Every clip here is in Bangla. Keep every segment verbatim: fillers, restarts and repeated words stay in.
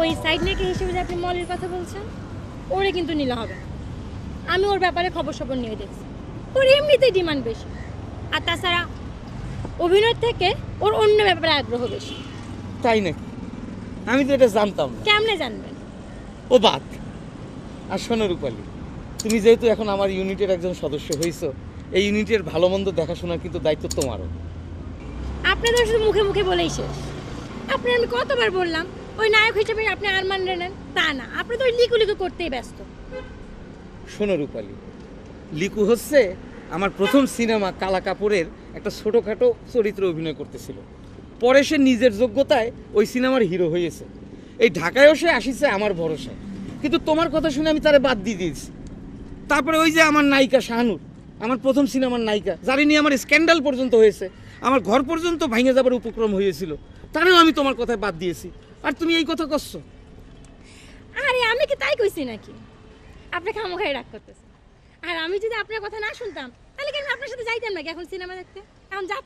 ওই সাইড নাকি হিসেবে যে আপনি মলের কথা বলছেন, ওরে কিন্তু নিলে হবে না। আমি ওর ব্যাপারে খবর সবর নিয়ে দেখছি, ওর এমনিতেই ডিমান্ড বেশি। আর তাছাড়া অভিনয় থেকে ওর অন্য ব্যাপারে আগ্রহ বেশি। তাই নাকি? আমি তো এটা জানতাম না। কেমনে জানবেন? ও বাদ। আর শোনো রূপালী, তুমি যেহেতু এখন আমার ইউনিটের একজন সদস্য হয়েছো, এই ইউনিটের ভালো মন্দ দেখাশোনার কিন্তু দায়িত্ব তোমারও। আপনাদের শুধু মুখে মুখে বলেই শেষ। আপনি আমি কতবার বললাম ওই নায়ক হিসেবে আপনি আর মানলেন না, তা না, আপনি তো ওই লিকু লিকু করতেই ব্যস্ত। শোনো রূপালী, লিকু হচ্ছে আমার প্রথম সিনেমা কালা কাপুরের একটা ছোটোখাটো চরিত্রে অভিনয় করতেছিল। পরে সে নিজের যোগ্যতায় ওই সিনেমার হিরো হয়েছে। এই ঢাকায়ও সে আসিছে আমার ভরসায়, কিন্তু তোমার কথা শুনে আমি তারে বাদ দিয়ে দিয়েছি। তারপরে ওই যে আমার নায়িকা শাহানুর, আমার প্রথম সিনেমার নায়িকা, যার নিয়ে আমার স্ক্যান্ডাল পর্যন্ত হয়েছে, আমার ঘর পর্যন্ত ভেঙে যাবার উপক্রম হয়েছিল, তারেও আমি তোমার কথায় বাদ দিয়েছি। আর তুমি এই কথা করছো? আরে আমি কি তাই কইছি নাকি? আপনি খামোখাই রাগ করতেছেন। আর আমি যদি আপনার কথা না শুনতাম তাহলে কি আমি আপনার সাথে যাইতাম নাকি এখন সিনেমা দেখতে? এখন যা।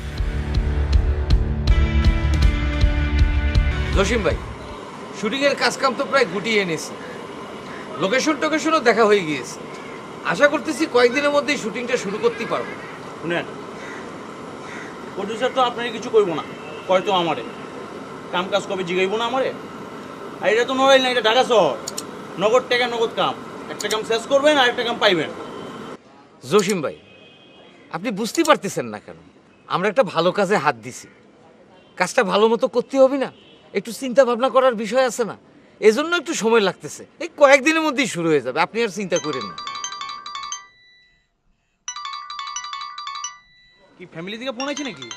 জসিম ভাই, শুটিংয়ের কাজকাম তো প্রায় গুটিয়ে এনেছি, লোকেশন টোকেশনও দেখা হয়ে গিয়েছে। আশা করতেছি কয়েকদিনের মধ্যেই শুটিংটা শুরু করতেই পারবো। শুনেন, প্রডিউসার তো আপনার কিছু করবো না, হয়তো আমারে কাম কাজ কবে জিগাইব না আমারে। আর এটা তো নড়াইল না, এটা ঢাকা শহর, নগদ টাকা নগদ কাম। একটা কাম শেষ করবেন আর একটা কাম পাইবেন। জসিম ভাই, আপনি বুঝতে পারতেছেন না কেন? আমরা একটা ভালো কাজে হাত দিছি, কাজটা ভালো মতো করতে হবে না? একটু চিন্তা ভাবনা করার বিষয় আছে না? এজন্য একটু সময় লাগতেছে। এই কয়েকদিনের মধ্যেই শুরু হয়ে যাবে, আপনি আর চিন্তা করেন না। কি ফ্যামিলি থেকে ফোন আছে নাকি?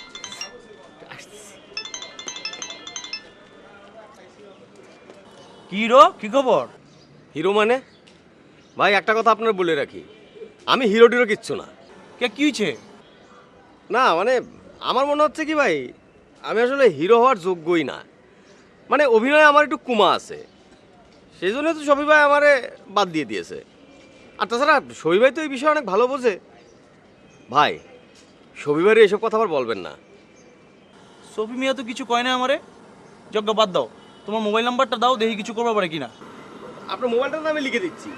কি রো, কি খবর? হিরো মানে? ভাই একটা কথা আপনার বলে রাখি, আমি হিরো টিরো কিচ্ছু না। কে কি হয়েছে? না মানে আমার মনে হচ্ছে কি ভাই, আমি আসলে হিরো হওয়ার যোগ্যই না। মানে অভিনয়ে আমার একটু কুমা আছে, সেই জন্য তো সবই ভাই আমারে বাদ দিয়ে দিয়েছে। আর তাছাড়া সবি ভাই তো এই বিষয়ে অনেক ভালো বোঝে। ভাই সবি ভাইয়ের এসব কথা আবার বলবেন না। সফি মিয়া তো কিছু কয় না আমারে। যজ্ঞ বাদ দাও, তোমার মোবাইল নাম্বারটা দাও, দেখি কিছু করবা পারে কিনা। আপনার মোবাইলটা তো আমি লিখে দিচ্ছি।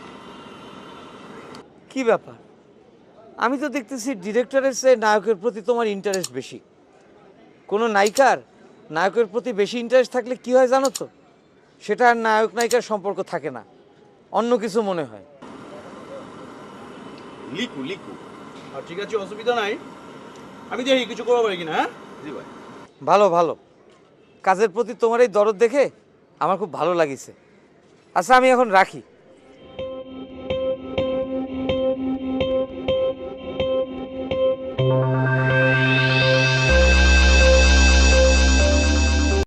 কি ব্যাপার? আমি তো দেখতেছি ডিরেক্টরের চেয়ে নায়কের প্রতি তোমার ইন্টারেস্ট বেশি। কোনো নায়িকার নায়কের প্রতি বেশি ইন্টারেস্ট থাকলে কি হয় জানো তো? সেটা আর নায়ক নায়িকার সম্পর্ক থাকে না, অন্য কিছু মনে হয়। লিখু লিখু আর ঠিক আছে, অসুবিধা নাই, আমি দেখি কিছু করবা পারে কিনা। হ্যাঁ জি ভাই। ভালো ভালো, কাজের প্রতি তোমার এই দরদ দেখে আমার খুব ভালো লাগিছে। আচ্ছা আমি এখন রাখি।